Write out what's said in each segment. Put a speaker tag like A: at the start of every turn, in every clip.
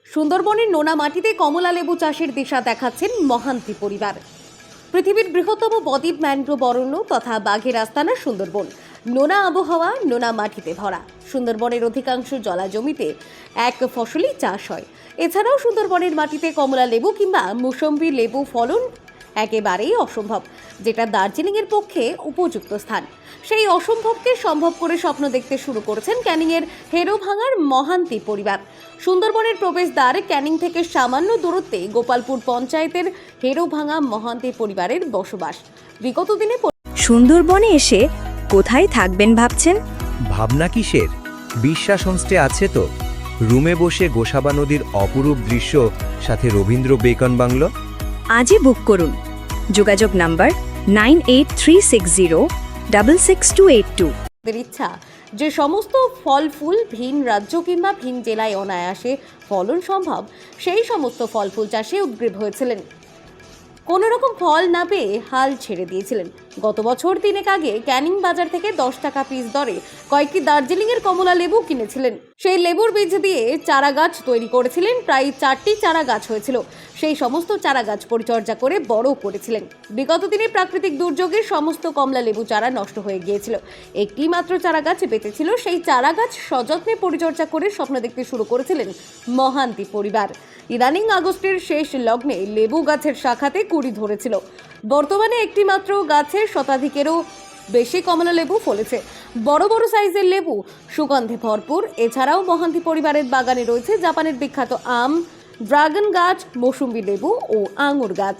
A: সুন্দরবনের নোনা মাটিতে কমলা লেবু চাষের দিশা দেখাচ্ছেন মহান্তি পরিবার। পৃথিবীর বৃহত্তম বদ্বীপ ম্যানগ্রোভ অরণ্য তথা বাঘের আস্তানা সুন্দরবন। নোনা আবহাওয়া, নোনা মাটিতে ভরা সুন্দরবনের অধিকাংশ জলা জমিতে এক ফসলি চাষ হয়। এছাড়াও সুন্দরবনের মাটিতে কমলা লেবু কিংবা মৌসম্বি লেবু ফলন একেবারেই অসম্ভব, যেটা দার্জিলিংয়ের পক্ষে উপযুক্ত স্থান। সেই অসম্ভবকে সম্ভব করে স্বপ্ন দেখতে শুরু করেছেন ক্যানিংয়ের হেরোভাঙার মহান্তি পরিবার। সুন্দরবনের প্রবেশদ্বার ক্যানিং থেকে সামান্য দূরত্বে গোপালপুর পঞ্চায়েতের হেরোভাঙা মহান্তি পরিবারের বসবাস। বিগত দিনে
B: সুন্দরবনে এসে কোথায় থাকবেন ভাবছেন?
C: ভাবনা কিসের? বিশ্বাস হোমস্টে আছে তো। রুমে বসে গোসাবা নদীর অপরূপ দৃশ্য, সাথে রবীন্দ্র বেকন বাংলো।
B: আজই বুক করুন। যোগাযোগ নাম্বার 9836066282।
A: ইচ্ছা যে সমস্ত ফল ফুল ভিন রাজ্য কিংবা ভিন জেলায় অনায়াসে ফলন সম্ভব, সেই সমস্ত ফল ফুল চাষে উদ্গ্রীব হয়েছিলেন। কোনো রকম ফল না পেয়ে হাল ছেড়ে দিয়েছিলেন। গত বছর 3 আগে ক্যানিং বাজার থেকে 10 টাকা পিস দরে কয়েকটি দার্জিলিংয়ের কমলা লেবু কিনেছিলেন। সেই লেবুর বীজ দিয়ে চারা গাছ তৈরি করেছিলেন। প্রায় 4টি চারা গাছ হয়েছিল। সেই সমস্ত চারা গাছ পরিচর্যা করে বড় করেছিলেন। বিগত দিনে প্রাকৃতিক দুর্যোগে সমস্ত কমলা লেবু চারা নষ্ট হয়ে গিয়েছিল। একটি মাত্র চারা গাছ বেঁচেছিল। সেই চারা গাছ সযত্নে পরিচর্যা করে স্বপ্ন দেখতে শুরু করেছিলেন মহান্তি পরিবার। ইদানিং আগস্টের শেষ লগ্নে লেবু গাছের শাখাতে কুড়ি ধরেছিল। বর্তমানে একটি মাত্র গাছের শতাধিকেরও বেশি কমলা লেবু ফলেছে। বড় বড় সাইজের লেবু, সুগন্ধে ভরপুর। এছাড়াও মহান্তি পরিবারের বাগানে রয়েছে জাপানের বিখ্যাত আম, ড্রাগন গাছ, মৌসুম্বি লেবু ও আঙুর গাছ।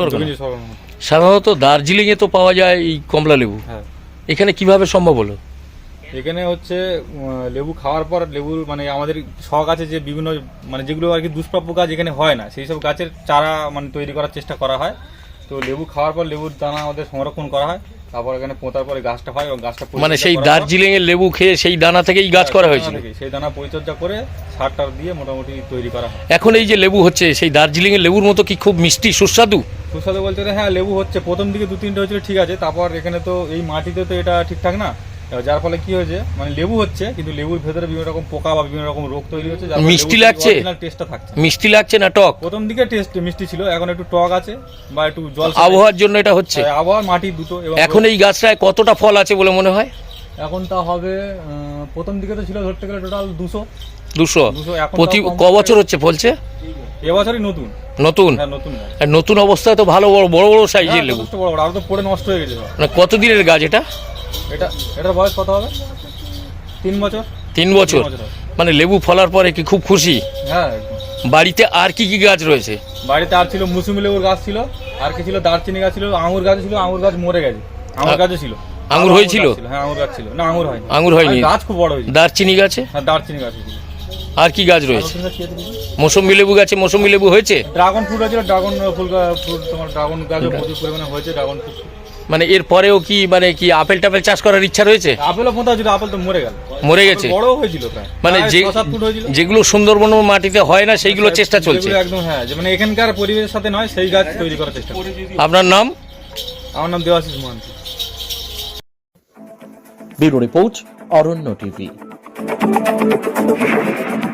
D: সাধারণত দার্জিলিংয়ে তো পাওয়া যায় এই কমলা লেবু, এখানে কিভাবে সম্ভব হলো?
E: এখানে হচ্ছে লেবু খাওয়ার পর লেবুর মানে আমাদের শখ আছে যে বিভিন্ন মানে যেগুলো আর কি দুষ্প্রাপ্য গাছ এখানে হয় না, সেই সব গাছের চারা মানে তৈরি করার চেষ্টা করা হয়। তো লেবু খাওয়ার পর লেবুর দানা আমাদের সংরক্ষণ করা হয়, তারপর এখানে পোঁতার পরে গাছটা হয় এবং গাছটা
D: মানে সেই দার্জিলিং এর লেবু খেয়ে সেই দানা থেকেই গাছ করা হয়েছিল।
E: সেই দানা পরিচর্যা করে সার টার দিয়ে মোটামুটি তৈরি করা হয়।
D: এখন এই যে লেবু হচ্ছে সেই দার্জিলিং এর লেবুর মতো কি খুব মিষ্টি সুস্বাদু?
E: সুস্বাদু বলতে হ্যাঁ, লেবু হচ্ছে প্রথম দিকে 2-3টে হয়েছিল ঠিক আছে, তারপর এখানে তো এই মাটিতে তো এটা ঠিকঠাক না, যার ফলে কি হয়েছে মানে লেবু হচ্ছে কিন্তু লেবুর ভেতরে বিভিন্ন রকম পোকা বা বিভিন্ন রকম রোগ তৈরি হচ্ছে।
D: মিষ্টি লাগছে,
E: টেস্টটা থাকছে,
D: মিষ্টি লাগছে না টক?
E: প্রথম দিকে টেস্ট মিষ্টি ছিল, এখন একটু টক আছে বা একটু জল।
D: আবহাওয়ার জন্য এটা হচ্ছে,
E: আবহাওয়া মাটি দুটো।
D: এখন এই গাছটায় কতটা ফল আছে বলে মনে হয়?
E: এখন তা হবে প্রথম দিকে তো ছিল ধরতে গেলে টোটাল 200।
D: প্রতি ক বছর হচ্ছে ফলছে?
E: এবছরই নতুন
D: নতুন।
E: হ্যাঁ, নতুন।
D: নতুন অবস্থায় তো ভালো বড় বড় বড় সাইজের লেবু।
E: বড় বড়, আর তো পড়ে নষ্ট হয়ে গেছে।
D: মানে কতদিনের গাছ এটা?
E: এটার বয়স কত হবে? 3 বছর।
D: 3 বছর। মানে লেবু ফলার পরে কি খুব খুশি?
E: হ্যাঁ।
D: বাড়িতে আর কি কি গাছ রয়েছে?
E: বাড়িতে আর ছিল মৌসুমী লেবুর গাছ ছিল, আর কি ছিল দারচিনি গাছ ছিল, আঙুর গাছ ছিল। আঙুর গাছ মরে গেছে। আঙুর গাছও ছিল।
D: আঙুর হয়েছিল?
E: হ্যাঁ, আঙুর গাছ ছিল। না, আঙুর হয়নি।
D: আঙুর হয়নি,
E: গাছ খুব বড় হয়েছে।
D: দারচিনি গাছে?
E: হ্যাঁ, দারচিনি গাছ ছিল।
D: আর কি গাছ রয়েছে? মৌসুমী লেবু গাছে মৌসুমী লেবু হয়েছে?
E: ড্রাগন ফ্রুট আছে, ড্রাগন ফুল তোমার ড্রাগন গাছও প্রচুর পরিমাণে হয়েছে। ড্রাগন ফ্রুট
D: মানে এর পরেও কি মানে কি আপেল টাপেল চাষ করার ইচ্ছা রয়েছে?
E: আপেলও পোঁতা ছিল, আপেল তো মরে গেল।
D: মরে গেছে?
E: বড় হয়েছিল প্রায়,
D: মানে
E: 6-7 ফুট হয়েছিল।
D: যেগুলো সুন্দরবন মাটিতে হয় না সেইগুলো চেষ্টা চলছে
E: একদম। হ্যাঁ, যে মানে এখানকার পরিবেশের সাথে নয় সেই গাছ তৈরি করার চেষ্টা।
D: আপনার নাম?
E: আমার নাম Debashish Mohanty.
F: Bureau report, Aranya TV.